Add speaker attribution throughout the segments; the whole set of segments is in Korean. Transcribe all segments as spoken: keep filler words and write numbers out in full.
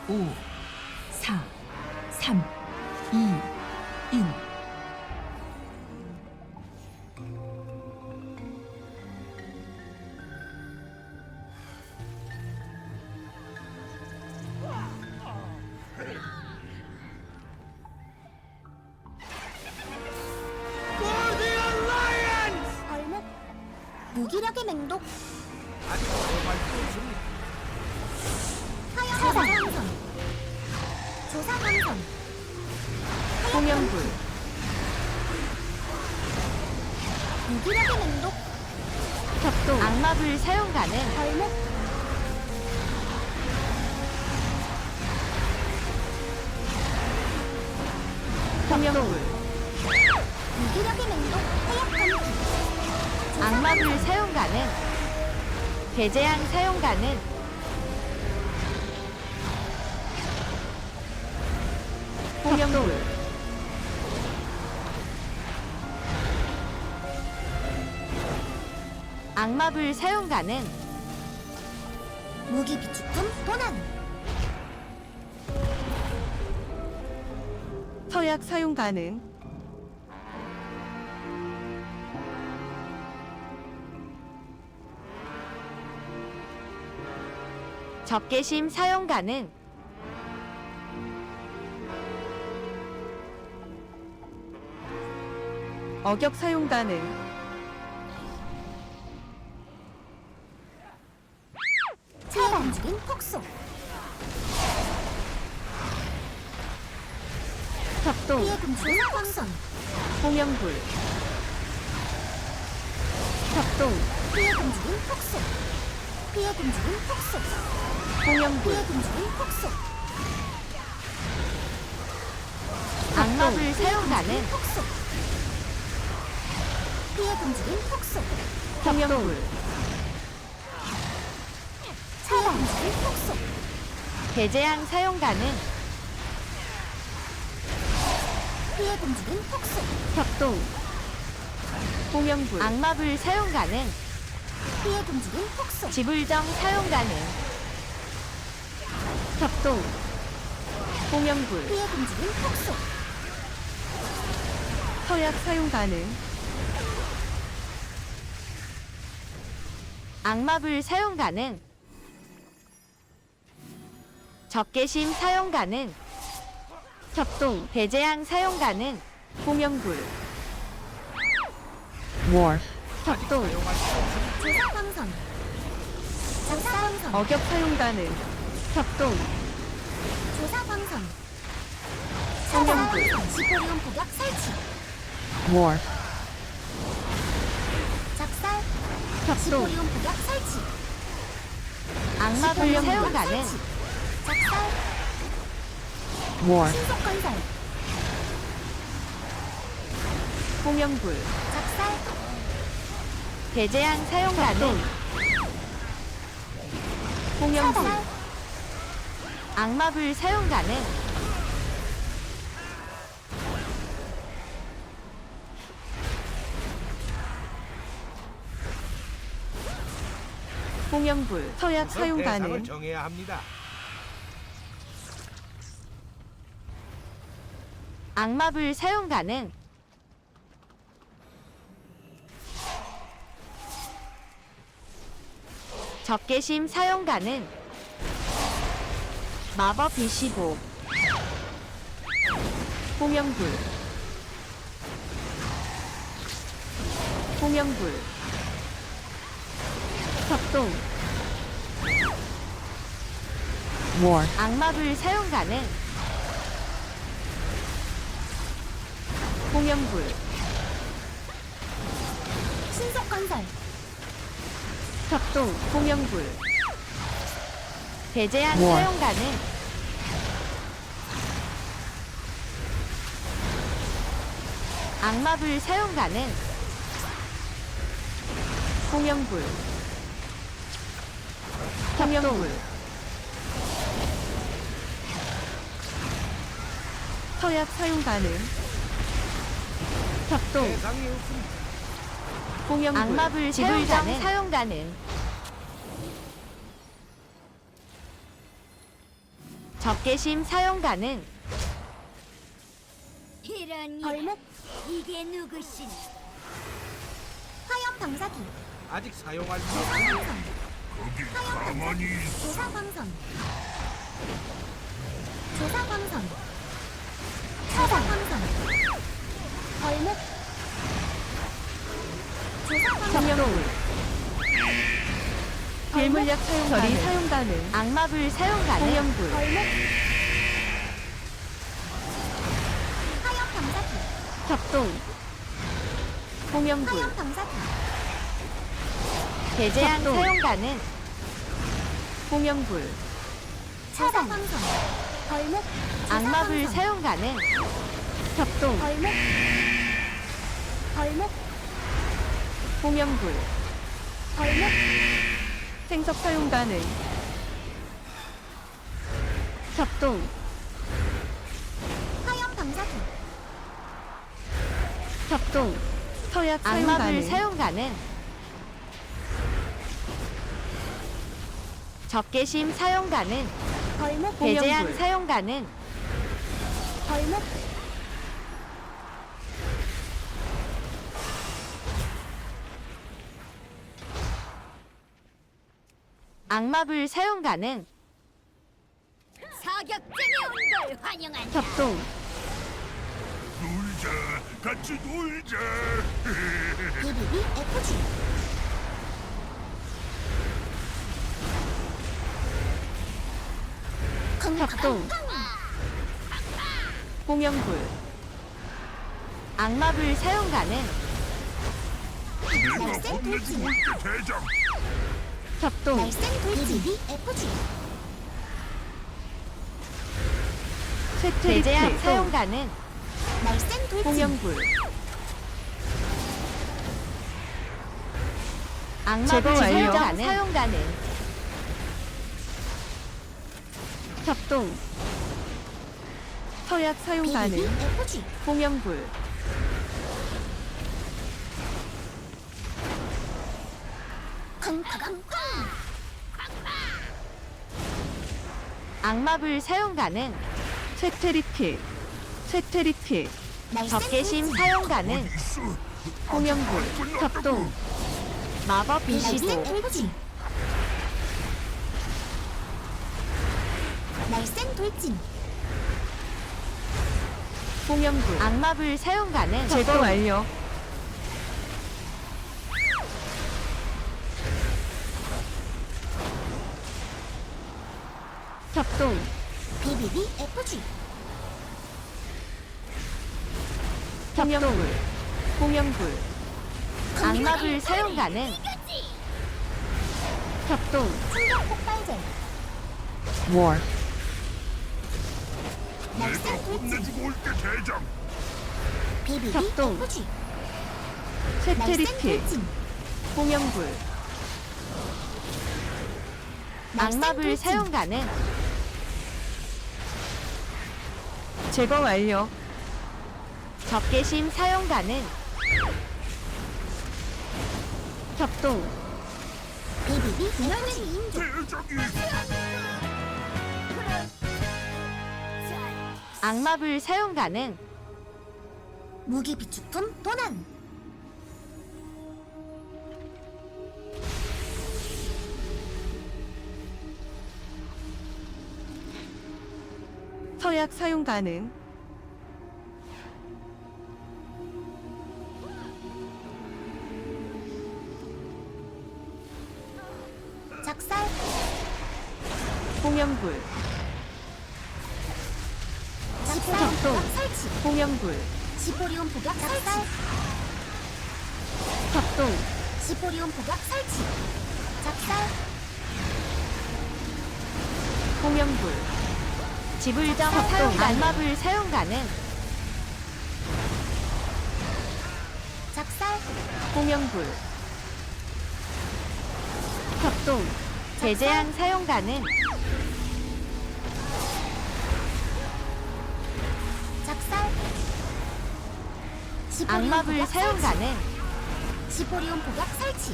Speaker 1: 오, 사, 삼, 이, 일.
Speaker 2: 얼목 무기력의 맹독 하얀 조사 강선
Speaker 3: 홍영불,
Speaker 2: 무기력의 맹독
Speaker 3: 격동, 악마불 사용 가능,
Speaker 2: 얼목
Speaker 3: 홍영불,
Speaker 2: 무기력의 맹독 해역 감기
Speaker 3: 악마불 사용 가능, 배제양 사용 가능, 홍영불, 악마불 사용 가능,
Speaker 2: 무기 비축품 도난
Speaker 3: 서약 사용 가능, 적개심 사용 가능, 어격 사용 가능,
Speaker 2: 차단 움직임 폭소
Speaker 3: 격동,
Speaker 2: 피해 금지 조사 강선
Speaker 3: 홍영불, 격동,
Speaker 2: 피해 금지인 폭소 피해 금지인 폭소
Speaker 3: 홍영불,
Speaker 2: 피해 금지인 폭소
Speaker 3: 악마불 사용 가능,
Speaker 2: 폭소 피해 금지인 폭소
Speaker 3: 홍영불,
Speaker 2: 차단 움직임 폭소
Speaker 3: 배제양 사용 가능,
Speaker 2: 피해 금지인 폭소
Speaker 3: 격동, 홍영불, 악마불 사용 가능,
Speaker 2: 피해 금지인 폭소
Speaker 3: 지불정 사용 가능, 격동, 홍영불,
Speaker 2: 피해 금지인 폭소
Speaker 3: 서약 사용 가능, 악마불 사용 가능, 적개심 사용 가능, 격동, 배제양 사용 가능, 홍영불,
Speaker 4: War.
Speaker 3: 격동,
Speaker 2: 조사 강선 조사 강선
Speaker 3: 어격 사용 가능, 격동,
Speaker 2: 조사 강선
Speaker 3: 홍영불,
Speaker 2: 지포리온 폭약 설치
Speaker 4: War.
Speaker 2: 작살
Speaker 3: 격동,
Speaker 2: 지포리온 폭약 설치
Speaker 3: 악마불
Speaker 2: 지포리온
Speaker 3: 사용
Speaker 2: 폭약
Speaker 3: 가능,
Speaker 2: 설치. 작살
Speaker 4: War.
Speaker 2: 신속 건설
Speaker 3: 홍영불,
Speaker 2: 작살
Speaker 3: 배제양 사용 가능, 홍영불,
Speaker 2: 차단
Speaker 3: 악마불 사용 가능, 홍영불, 서약 사용 가능,
Speaker 5: 대상을 정해야 합니다.
Speaker 3: 악마불 사용 가능, 적개심 사용 가능, 마법 이십오, 홍영불, 홍영불, 격동,
Speaker 4: War.
Speaker 3: 악마불 사용 가능, 홍영불,
Speaker 2: 신속 건설
Speaker 3: 격동, 홍영불, 배제양
Speaker 4: 우와.
Speaker 3: 사용 가능, 악마불 사용 가능, 홍영불, 홍영불, 서약 사용 가능, 격동,
Speaker 5: 대상이 없습니다.
Speaker 3: 홍영불, 악마불 사용 가능, 사용 가능, 적개심 사용 가능.
Speaker 2: 이런 벌목 이게 누구시니? 화염 방사기,
Speaker 5: 아직 사용할 수
Speaker 2: 조사
Speaker 5: 없는
Speaker 2: 광선, 화염 방사기, 조사 광선, 조사 광선, 조사 광선, 벌목, 조사 광선,
Speaker 3: 성령불.
Speaker 1: 괴물약 사용
Speaker 3: 결이
Speaker 1: 가능.
Speaker 3: 사용 가능. 악마불 사용 가능. 공연불.
Speaker 2: 벌목, 화염 방사기,
Speaker 3: 협동. 공연불.
Speaker 2: 화염 방사기,
Speaker 3: 배제한
Speaker 1: 협동.
Speaker 3: 사용 가능. 공연불.
Speaker 2: 조사 광선, 벌목, 조사
Speaker 3: 악마불
Speaker 2: 광선,
Speaker 3: 사용 가능. 협동.
Speaker 2: 벌목, 벌목,
Speaker 3: 공연불.
Speaker 2: 벌목,
Speaker 3: 생석 사용 가능. 협동.
Speaker 2: 화염 방사기,
Speaker 3: 협동.
Speaker 1: 서약 사용
Speaker 3: 악마불
Speaker 1: 가능.
Speaker 3: 사용 가능. 적개심 사용 가능.
Speaker 2: 벌목,
Speaker 3: 배제한
Speaker 1: 공연불.
Speaker 3: 사용 가능.
Speaker 2: 벌목,
Speaker 3: 악마불 사용 가능.
Speaker 2: 사격장에 온 걸 환영한다.
Speaker 3: 협동.
Speaker 5: 놀자 같이 놀자
Speaker 2: 비비비 에프지,
Speaker 3: 협동. 공연불. 악마불 사용 가능.
Speaker 2: 날쌘 돌진,
Speaker 5: 대장
Speaker 3: 협동.
Speaker 2: 날쌘 돌진, 비비비 에프지,
Speaker 3: 배제한
Speaker 1: 쇠퇴리필.
Speaker 3: 사용 가능.
Speaker 2: 날쌘 돌진,
Speaker 3: 공연불.
Speaker 1: 제거
Speaker 3: 악마불
Speaker 1: 완료.
Speaker 3: 설정 가능. 사용 가능. 협동.
Speaker 1: 서약 사용
Speaker 2: 비비비
Speaker 1: 가능.
Speaker 2: 에프지,
Speaker 3: 공연불.
Speaker 2: 쾅쾅쾅,
Speaker 3: 악마불 사용 가능.
Speaker 1: 쇠퇴리필. 쇠퇴리필.
Speaker 2: 날쌘
Speaker 3: 적개심
Speaker 2: 돌진,
Speaker 3: 사용 가능.
Speaker 5: 있어
Speaker 3: 공연불. 협동. 마법
Speaker 2: 날쌘
Speaker 3: 비시도.
Speaker 2: 돌진, 날쌘 돌진,
Speaker 3: 공연불. 악마불 사용 가능.
Speaker 1: 제거 완료.
Speaker 3: 협동.
Speaker 2: 비비비 에프지,
Speaker 3: 협동. 공연불. 악마불 사용 가능. 협동.
Speaker 2: 충격 폭발제,
Speaker 4: War.
Speaker 2: 날쌘
Speaker 5: 내가
Speaker 2: 돌진,
Speaker 5: 혼내주고 올게 대장
Speaker 2: 비비비
Speaker 3: 협동.
Speaker 2: 에프지, 날쌘
Speaker 1: 쇠퇴리필.
Speaker 2: 돌진,
Speaker 3: 공연불.
Speaker 2: 날쌘
Speaker 3: 악마불
Speaker 2: 돌진,
Speaker 3: 사용 가능.
Speaker 1: 제거 완료.
Speaker 3: 적개심 사용 가능. 협동.
Speaker 2: 비비비 에너지 인조,
Speaker 5: 대장이
Speaker 3: 악마불 사용 가능.
Speaker 2: 무기 비축품 도난,
Speaker 1: 서약 사용 가능.
Speaker 2: 작살,
Speaker 3: 공연불.
Speaker 2: 작살,
Speaker 3: 협동.
Speaker 2: 부각 설치,
Speaker 3: 공연불.
Speaker 2: 지포리온 부각 설치,
Speaker 3: 협동.
Speaker 2: 지포리온 부각 설치, 작살,
Speaker 3: 공연불. 지불정 사용 가능. 악마불 사용 가능.
Speaker 2: 작살,
Speaker 3: 공연불. 협동. 배제한 사용 가능.
Speaker 2: 작살, 지포리온
Speaker 3: 악마불
Speaker 2: 부각
Speaker 3: 사용
Speaker 2: 설치,
Speaker 3: 가능.
Speaker 2: 지포리온 부각 설치,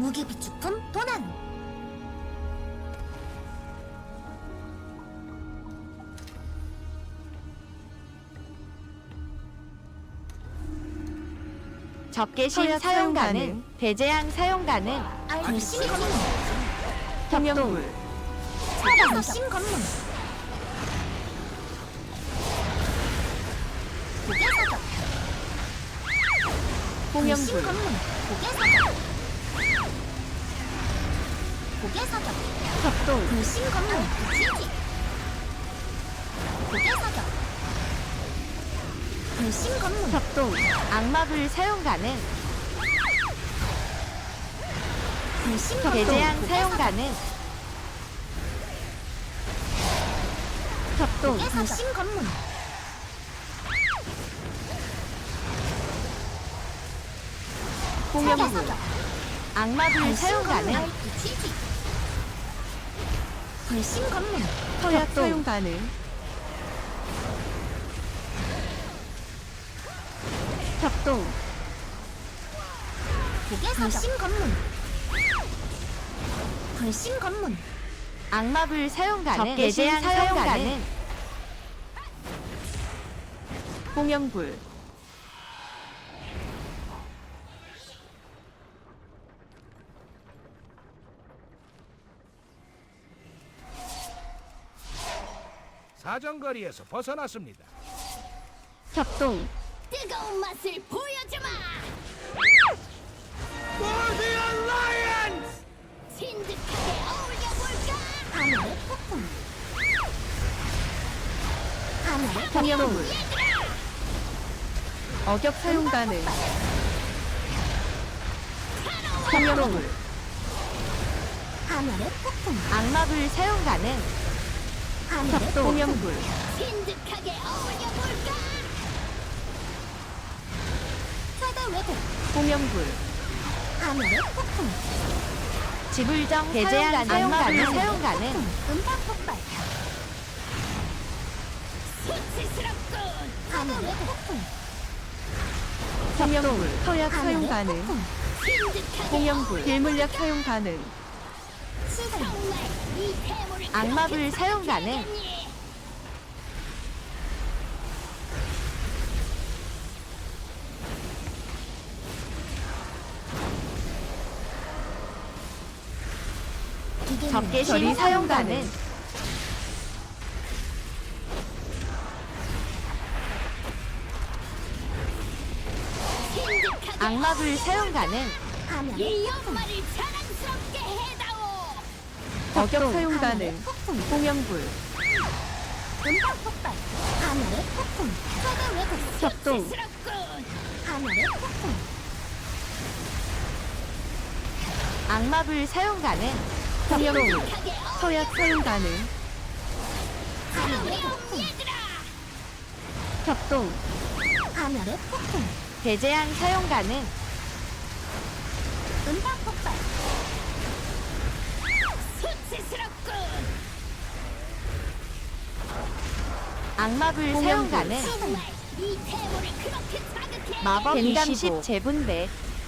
Speaker 2: 무기 비축품 도난.
Speaker 3: 적개심
Speaker 1: 서약
Speaker 3: 사용
Speaker 1: 사용
Speaker 3: 가능.
Speaker 1: 가능.
Speaker 3: 배제양 사용 가능.
Speaker 2: 불신 검문.
Speaker 1: 홍영불
Speaker 2: 불신 검문. 고개 사격. 불신
Speaker 1: 홍영불
Speaker 2: 검문. 고개 사격. 고개 사격.
Speaker 1: 협동
Speaker 2: 불신 검문. 지지. 고개 사격. 불신 검문.
Speaker 1: 협동
Speaker 3: 악마불 사용 가능.
Speaker 2: 불신 검문.
Speaker 3: 배제양
Speaker 2: 고개
Speaker 3: 사용
Speaker 2: 사격.
Speaker 3: 가능.
Speaker 1: 협동
Speaker 2: 고개 사격. 불신 검문. 고개
Speaker 1: 홍영불
Speaker 2: 사격.
Speaker 3: 악마불 사용 가능.
Speaker 2: 지지. 불신 검문.
Speaker 1: 서약
Speaker 3: 협동.
Speaker 1: 사용 가능 협동
Speaker 2: 고개 사격. 불신 검문. 불신 검문.
Speaker 3: 악마불 사용 가능.
Speaker 1: 적개심
Speaker 3: 배제양
Speaker 1: 사용
Speaker 3: 사용
Speaker 1: 가능.
Speaker 3: 가능.
Speaker 1: 홍영불
Speaker 5: 사정거리에서 벗어났습니다.
Speaker 1: 협동
Speaker 2: 뜨거운 맛을 보여주마.
Speaker 5: 모디언 라이언스!
Speaker 2: 진득하게 어울려볼까? 하늘의 폭풍. 하늘의
Speaker 1: 홍영불 어격 사용 가능 홍영불
Speaker 2: 하늘의 폭풍.
Speaker 3: 악마불 사용 가능.
Speaker 2: 하늘의
Speaker 1: 협동 홍영불
Speaker 2: 진득하게 어울려볼까? 최대 왜곡.
Speaker 1: 홍영불
Speaker 2: 하늘의 폭풍.
Speaker 3: 지불정 배제양
Speaker 1: 사용 가능.
Speaker 3: 악마불
Speaker 1: 사용
Speaker 3: 사용 가능.
Speaker 2: 음파 폭발. 수치스럽군. 하늘의 폭풍.
Speaker 1: 홍영불 서약 사용
Speaker 2: 하늘의
Speaker 1: 가능
Speaker 2: 폭풍. 진득하게
Speaker 1: 홍영불 길물약 사용 가능
Speaker 2: 시간. 정말 이 태물을
Speaker 3: 악마불
Speaker 2: 그렇게
Speaker 3: 사용 가능.
Speaker 2: 사랑해야겠니? 기계는
Speaker 3: 적개심
Speaker 1: 절이
Speaker 3: 사용
Speaker 1: 사용
Speaker 3: 가능.
Speaker 1: 가능
Speaker 2: 진득하게
Speaker 3: 악마불 사용 가능.
Speaker 2: 하늘의
Speaker 3: 예.
Speaker 2: 이 엄마를 자랑스럽게 해다오.
Speaker 1: 어격 사용
Speaker 2: 하늘의
Speaker 1: 가능
Speaker 2: 폭풍.
Speaker 1: 홍영불
Speaker 2: 음파 폭발. 하늘의 폭풍. 최대 왜곡.
Speaker 1: 협동
Speaker 2: 수치스럽군. 하늘의 폭풍.
Speaker 3: 악마불 사용 가능.
Speaker 1: 홍영불
Speaker 2: 진득하게
Speaker 1: 서약 사용 가능
Speaker 2: 하늘의 폭풍. 얘들아.
Speaker 1: 협동
Speaker 2: 하늘의 폭풍.
Speaker 3: 배제양 사용 가능.
Speaker 2: 음파 폭발. 수치스럽군.
Speaker 3: 악마불 사용
Speaker 1: 홍영불.
Speaker 3: 가능.
Speaker 2: 정말 이 태물을 그렇게 자극해.
Speaker 3: 마법
Speaker 1: 뱀감
Speaker 3: 이십오
Speaker 1: 십
Speaker 3: 재분배.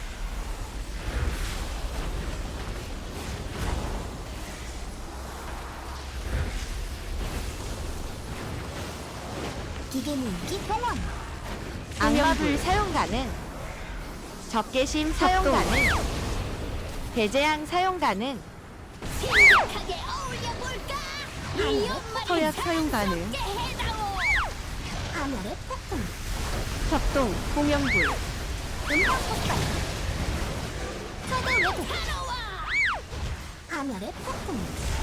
Speaker 2: 기계무기 동원.
Speaker 3: 악마불 사용 가능. 적개심 사용
Speaker 1: 협동.
Speaker 3: 가능. 배제양 사용 가능.
Speaker 2: 진득하게 어울려볼까? 이 엄마를
Speaker 1: 서약 사용 가능
Speaker 2: 자랑스럽게 해다오. 하늘의 폭풍.
Speaker 1: 협동 홍영불
Speaker 2: 음파 폭발. 최대 왜곡. 하늘의 폭풍.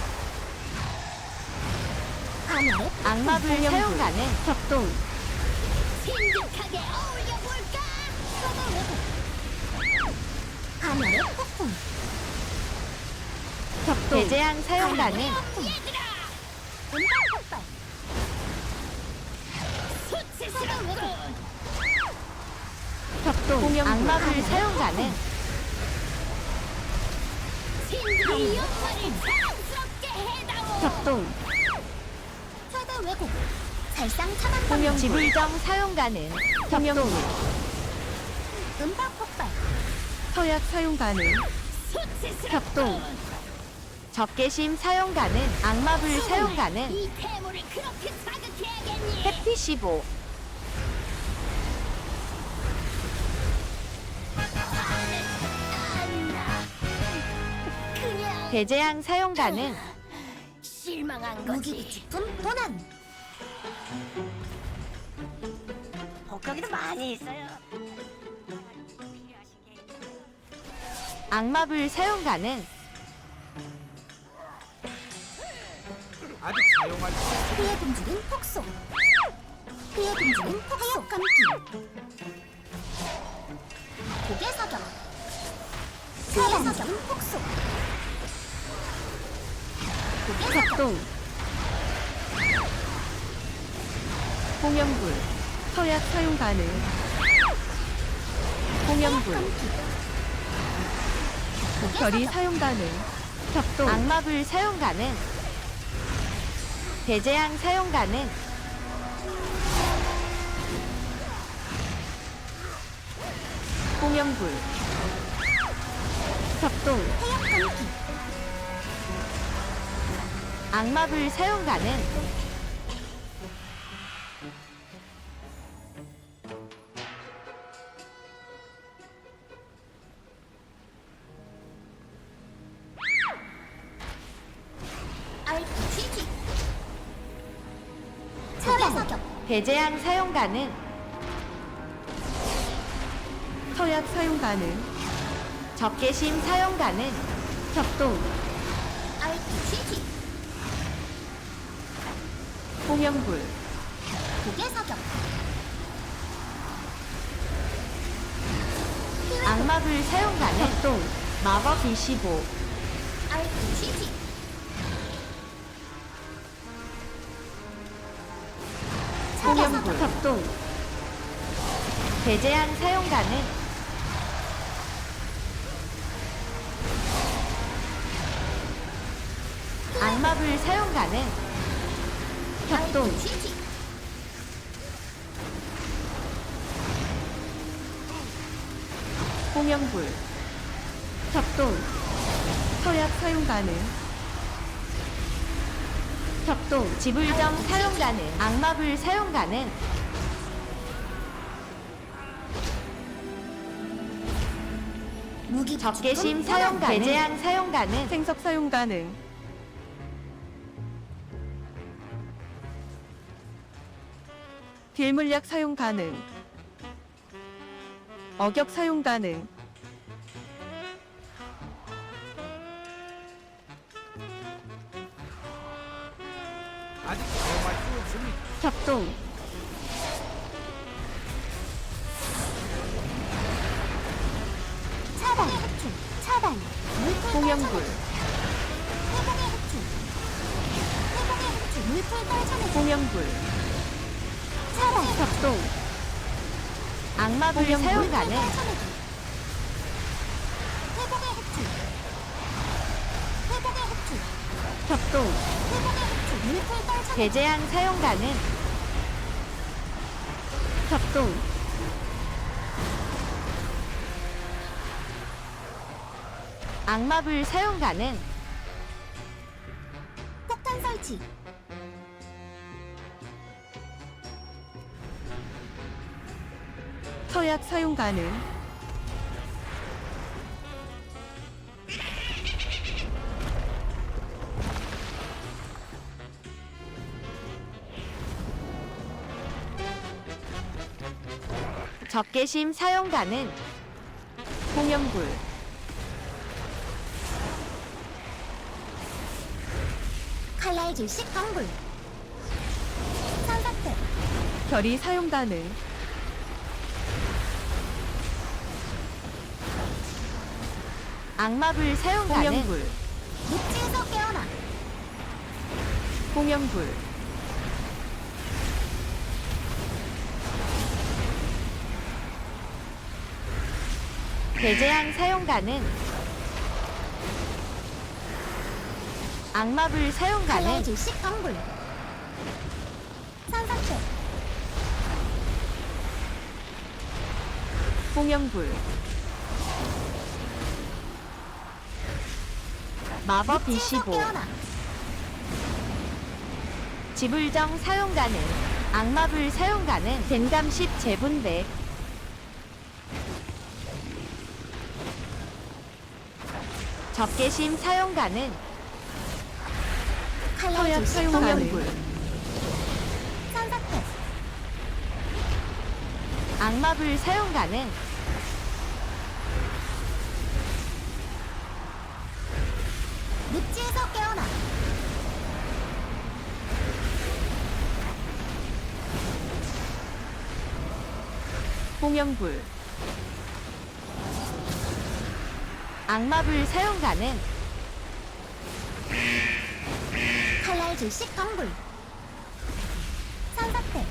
Speaker 2: 하늘의 폭풍.
Speaker 3: 악마불
Speaker 1: 홍영불.
Speaker 3: 사용 가능.
Speaker 1: 협동
Speaker 2: 진득하게 어울려볼까? 최대 왜곡. 하늘의 폭풍.
Speaker 1: 협동
Speaker 3: 배제양 사용 가능.
Speaker 2: 얘들아. 음파 폭발. 수치스럽군.
Speaker 1: 협동 홍영불
Speaker 3: 악마불 사용 가능.
Speaker 2: 진득이 엄마를 자랑스럽게 해다오.
Speaker 1: 협동
Speaker 2: 최대 왜곡. 살상 차단 방법.
Speaker 1: 홍영불
Speaker 3: 지불정 사용 가능.
Speaker 1: 홍영불
Speaker 2: 음파 폭발.
Speaker 1: 서약 사용 가능 협동,
Speaker 3: 적개심 사용 가능. 악마불 사용 가능.
Speaker 2: 이 괴물을 그렇게 자극해야겠니?
Speaker 3: 해피 십오.
Speaker 2: 그냥
Speaker 3: 배제양 사용 가능.
Speaker 2: 실망한 거지. 무기부치품 도난. 복덩이도 많이 있어요.
Speaker 3: 악마불 사용 가능.
Speaker 5: 아직 사용할 수 없습니다.
Speaker 2: 피해 금지는 폭소. 피해 금지는 폭소 감기. 고개 사격. 고개 사격은 폭소. 고개 사격.
Speaker 1: 협동, 홍영불, 서약 사용 가능. 홍영불, 결이 사용 가능. 협동,
Speaker 3: 악마불 사용 가능. 배제양 사용 가능.
Speaker 1: 홍영불, 협동,
Speaker 2: 해역 감기.
Speaker 3: 악마불 사용 가능.
Speaker 2: 알피지. 고개 사격.
Speaker 3: 배제양 사용 가능.
Speaker 1: 서약 사용 가능.
Speaker 3: 적개심 사용 가능.
Speaker 1: 협동,
Speaker 2: 알피지.
Speaker 1: 홍영불,
Speaker 2: 고개 사격.
Speaker 3: 악마불 사용 가능.
Speaker 1: 협동,
Speaker 3: 마법 이십오.
Speaker 2: 알피지.
Speaker 1: 홍영불, 협동,
Speaker 3: 배제양 사용 가능. 악마불 사용 가능.
Speaker 1: 협동,
Speaker 2: 알피지.
Speaker 1: 홍영불, 협동, 서약 사용 가능. 협동,
Speaker 3: 지불점 사용 가능. 악마불 사용 가능.
Speaker 2: 무기
Speaker 3: 적개심 사용 가능. 배제양 사용 가능.
Speaker 1: 생석 사용 가능. 딜물약 사용 가능. 어격 사용 가능.
Speaker 5: 아직 사용할 수 없습니다.
Speaker 1: 협동,
Speaker 2: 차단. 차단. 물풀
Speaker 1: 홍영불,
Speaker 2: 회복의 흡출. 회복의 흡출. 물풀 떨쳐내기.
Speaker 1: 홍영불,
Speaker 2: 차단.
Speaker 1: 협동,
Speaker 3: 악마불 사용
Speaker 2: 물풀
Speaker 3: 가능.
Speaker 2: 떨쳐내기. 회복의 흡출. 회복의 흡출.
Speaker 1: 협동,
Speaker 2: 회복의 흡출. 물풀 떨쳐내기.
Speaker 3: 배제양 사용 가능.
Speaker 1: 협동,
Speaker 3: 악마불 사용 가능.
Speaker 2: 폭탄 설치.
Speaker 1: 서약 사용 가능.
Speaker 3: 적개심 사용 가능.
Speaker 1: 홍영불,
Speaker 2: 칼날 질식 방불. 산사태.
Speaker 1: 결이 사용 가능.
Speaker 3: 악마불 사용 가능.
Speaker 1: 홍영불,
Speaker 2: 묵지에서 깨어나.
Speaker 1: 홍영불,
Speaker 3: 배제양 사용 가능. 악마불 사용 가능.
Speaker 2: 칼날 질식 방불. 산사태.
Speaker 1: 홍영불,
Speaker 3: 마법
Speaker 2: 늪지에서
Speaker 3: 이십오.
Speaker 2: 깨어나.
Speaker 3: 지불정 사용 가능. 악마불 사용 가능. 덴감십 재분배. 적개심 사용 가능.
Speaker 2: 칼날
Speaker 1: 서약
Speaker 2: 질식
Speaker 1: 사용
Speaker 2: 검문.
Speaker 1: 가능.
Speaker 2: 산사태.
Speaker 3: 악마불 사용 가능.
Speaker 2: 늪지에서 깨어나.
Speaker 1: 홍영불,
Speaker 3: 악마불 사용 가능.
Speaker 2: 칼날 질식 강불. 산사태.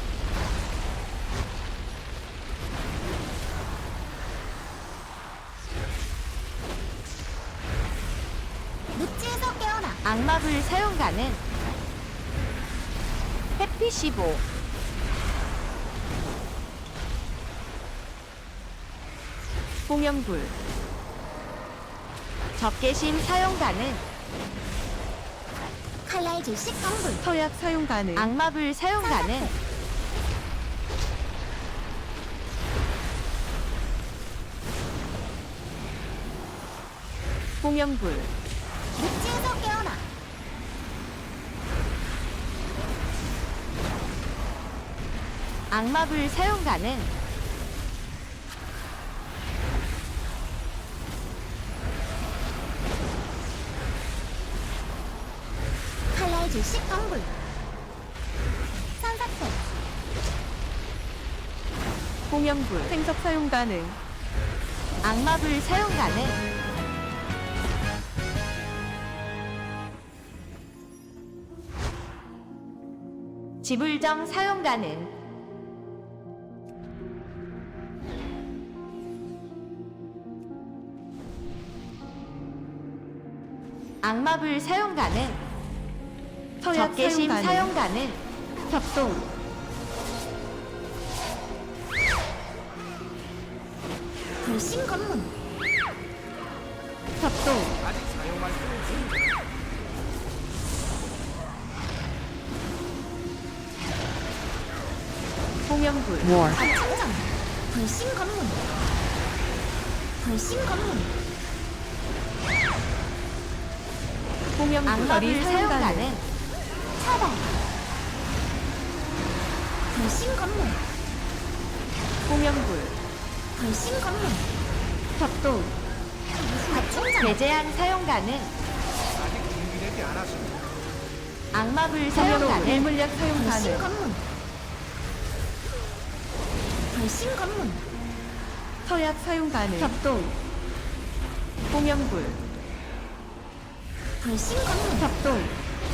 Speaker 2: 늪지에서 깨어나.
Speaker 3: 악마불 사용 가능. 해피 십오.
Speaker 1: 홍영불,
Speaker 3: 적개심 사용 가능.
Speaker 2: 칼날 질식 강불.
Speaker 1: 서약 사용 가능.
Speaker 3: 악마불 사용 가능.
Speaker 1: 홍영불,
Speaker 2: 늪지에서 깨어나.
Speaker 3: 악마불 사용 가능.
Speaker 2: 칼날 질식 강불. 산사태.
Speaker 1: 홍영불, 생석 사용 가능.
Speaker 3: 악마불 사용 가능. 지불정 사용 가능. 악마불 사용 가능.
Speaker 1: 서약
Speaker 3: 적개심
Speaker 1: 사용
Speaker 3: 사용
Speaker 1: 가능.
Speaker 3: 가능.
Speaker 1: 협동,
Speaker 2: 불신 검문.
Speaker 1: 협동,
Speaker 5: 아직 사용할 수 없습니다.
Speaker 1: 홍영불,
Speaker 4: War.
Speaker 2: 압축전. 불신 검문. 불신 검문.
Speaker 1: 홍영불,
Speaker 3: 악마불
Speaker 1: 결이
Speaker 3: 사용
Speaker 1: 사용 가능.
Speaker 3: 가능.
Speaker 2: 차단. 불신 검문.
Speaker 1: 홍영불,
Speaker 2: 불신 검문.
Speaker 1: 협동,
Speaker 2: 압축전.
Speaker 3: 배제한 사용 가능.
Speaker 5: 아직 준비되지 않았습니다.
Speaker 3: 악마불 사용
Speaker 1: 홍영불,
Speaker 3: 가능.
Speaker 1: 일물약 사용
Speaker 2: 불신
Speaker 1: 가능.
Speaker 2: 검문. 불신 검문.
Speaker 1: 서약 사용 가능. 협동, 홍영불,
Speaker 2: 불신 검문.
Speaker 1: 협동,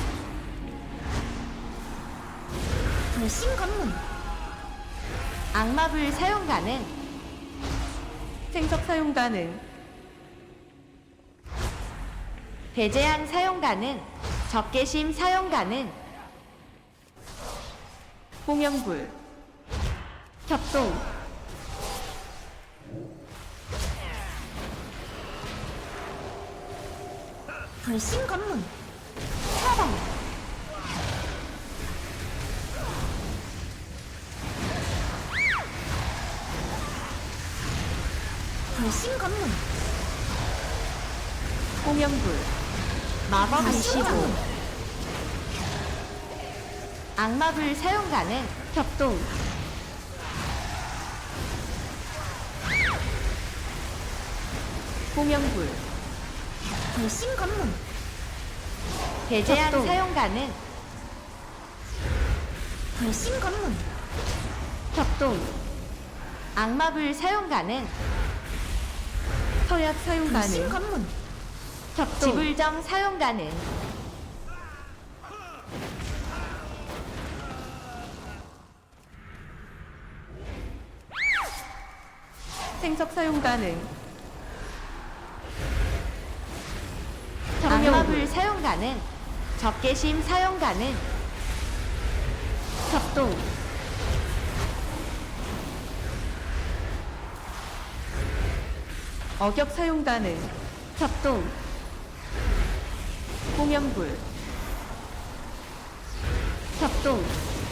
Speaker 2: 불신 검문.
Speaker 3: 악마불 사용 가능.
Speaker 1: 생석 사용 가능.
Speaker 3: 배제한 사용 가능. 적개심 사용 가능.
Speaker 1: 홍영불, 협동,
Speaker 2: 불신 검문. 차단. 불신 검문.
Speaker 1: 홍영불,
Speaker 3: 마법
Speaker 2: 불신
Speaker 3: 이십오.
Speaker 2: 검문.
Speaker 3: 악마불 사용 가능.
Speaker 1: 협동, 홍영불,
Speaker 2: 불신 검문.
Speaker 3: 배제한
Speaker 1: 협동.
Speaker 3: 사용 가능.
Speaker 2: 불신 검문.
Speaker 1: 협동,
Speaker 3: 악마불 사용 가능.
Speaker 1: 서약 사용
Speaker 2: 불신
Speaker 1: 가능.
Speaker 2: 검문.
Speaker 1: 협동,
Speaker 3: 지불정 사용 가능.
Speaker 1: 생석 사용 가능.
Speaker 3: 악마불
Speaker 1: 정명불,
Speaker 3: 사용 가능. 적개심 사용 가능.
Speaker 1: 협동, 어격 사용 가능. 협동, 홍연불 협동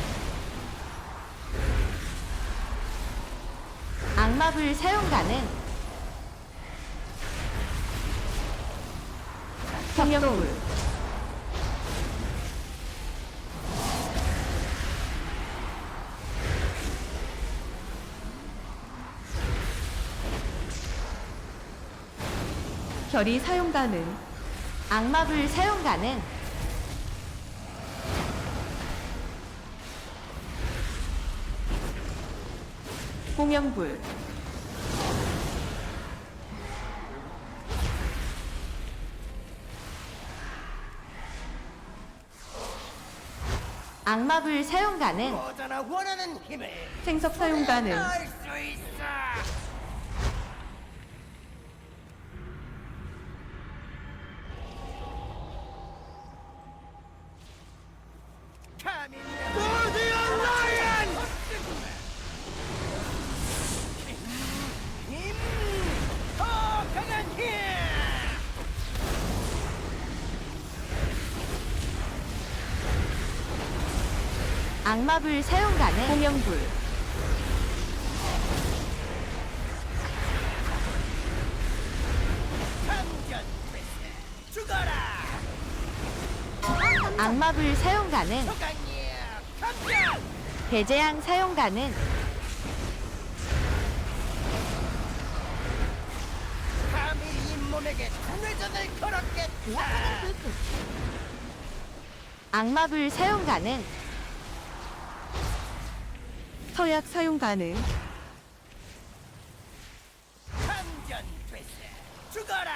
Speaker 3: 악마불 사용 가능.
Speaker 1: 홍연불 결의 사용 가능.
Speaker 3: 악마불 사용 가능.
Speaker 1: 홍연불
Speaker 3: 악마불 사용 가능.
Speaker 5: 모두나 원하는 힘을
Speaker 1: 생석 사용 가능.
Speaker 5: 알 수 있어. 감히 드디어 라이언! 힘! 더 강한 힘!
Speaker 3: 악마불 사용 가능.
Speaker 1: 홍연불
Speaker 5: 감전 패스! 죽어라!
Speaker 3: 악마불 사용 가능.
Speaker 5: 소강이야! 감전!
Speaker 3: 배제양 사용 가능.
Speaker 5: 감히 이 몸에게 회전을 걸었겠다!
Speaker 2: 불꽃.
Speaker 3: 악마불 사용 가능.
Speaker 1: 서약 사용 가능.
Speaker 5: 감전 패스! 죽어라!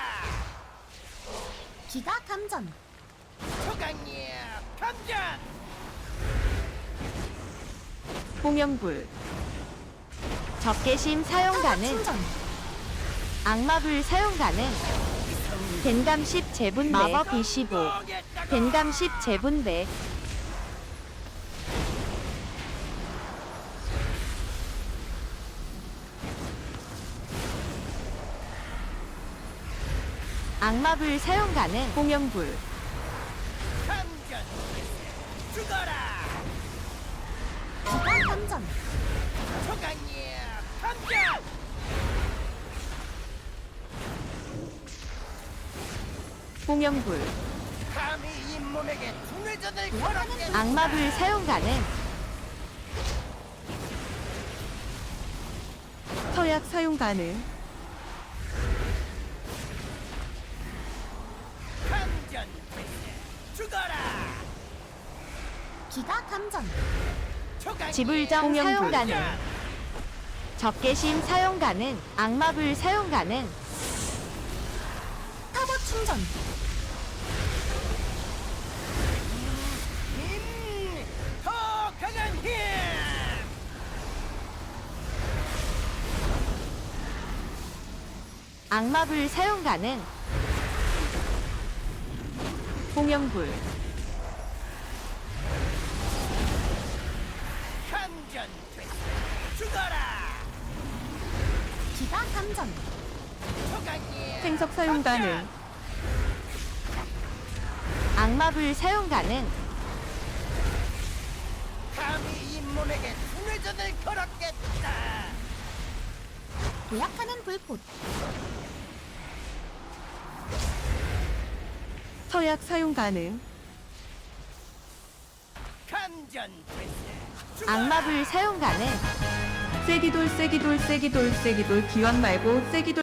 Speaker 2: 기가 감전.
Speaker 5: 소강이야! 감전!
Speaker 1: 홍연불
Speaker 3: 적개심 사용
Speaker 2: 타워
Speaker 3: 가능.
Speaker 2: 충전.
Speaker 3: 악마불 사용 가능. 덴감 십 재분배. 마법 이십오. 덴감 십 재분배. 악마불 사용 가능.
Speaker 1: 홍연불
Speaker 5: 감전 패스! 죽어라!
Speaker 2: 기가 감전.
Speaker 5: 소강이야! 감전!
Speaker 1: 홍연불
Speaker 5: 감히 이 몸에게 회전을 걸었겠다!
Speaker 3: 악마불 사용 가능.
Speaker 1: 서약 사용 가능.
Speaker 5: 감전 패스! 죽어라!
Speaker 2: 기가 감전.
Speaker 5: 소강이야!
Speaker 3: 지불정
Speaker 1: 홍연불.
Speaker 3: 사용 가능. 적개심 사용 가능. 악마불 사용 가능.
Speaker 2: 타워 충전.
Speaker 5: 힘! 더 강한 힘!
Speaker 3: 악마불 사용 가능.
Speaker 1: 홍연불
Speaker 5: 감전 패스! 죽어라!
Speaker 2: 기가 감전.
Speaker 5: 소강이야!
Speaker 1: 생석 사용 가능.
Speaker 3: 악마불 사용 가능.
Speaker 5: 감히 이 몸에게 회전을 걸었겠다!
Speaker 2: 도약하는 불꽃.
Speaker 1: 서약 사용 가능.
Speaker 5: 감전 패스! 죽어라!
Speaker 3: 악마불 사용 가능.
Speaker 1: 세기돌 세기돌 세기돌 세기돌 기원 말고 세기돌